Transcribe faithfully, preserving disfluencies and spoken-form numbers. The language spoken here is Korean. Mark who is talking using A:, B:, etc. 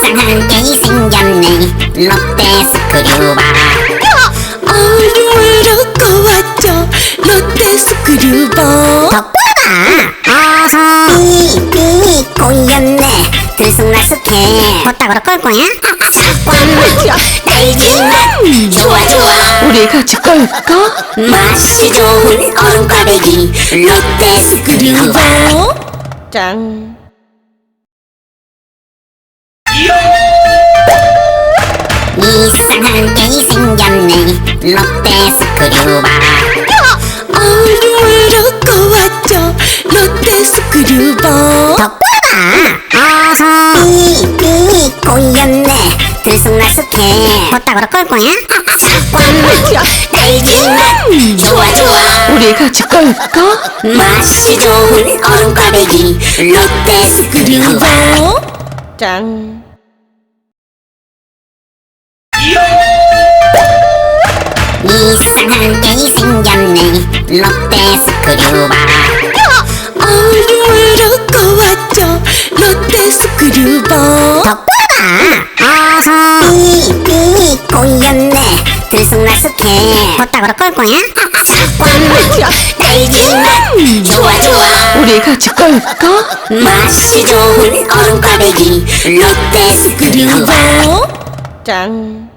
A: 이상한 게 생겼네. 롯데 스크류바.
B: 어류로 왔죠. 롯데 스크류바.
A: 더 꿀어봐. 어서 삐삐 꼬였네. 들쑥날쑥해. 버딱으로 끌 거야? 잠깐만 달지만 좋아 좋아.
B: 우리 같이 끌까?
A: 맛이 좋은 얼음 꽈배기 롯데 스크류바.
B: 짠.
A: 이상한 게 생겼네. 롯데 스크류바.
B: 어류로 왔죠. 롯데 스크류바.
A: 더 꿀어봐. 어서 삐삐 꼬였네. 들쑥날쑥해. 버딱으로 끌 거야? 잠깐만 달지만 좋아 좋아.
B: 우리 같이 끌까?
A: 맛이 좋은 얼음 꽈배기 롯데 스크류바.
B: 짠.
A: 이상한 게 생겼네. 롯데 스크류바.
B: 어류로 왔죠. 롯데 스크류바.
A: 더 꿀어봐. 어서 삐삐 꼬였네. 들쑥날쑥해. 버딱으로 끌 거야? 잠깐만 달지만 좋아 좋아.
B: 우리 같이 끌까?
A: 맛이 좋은 얼음 꽈배기 롯데 스크류바.
B: 짠.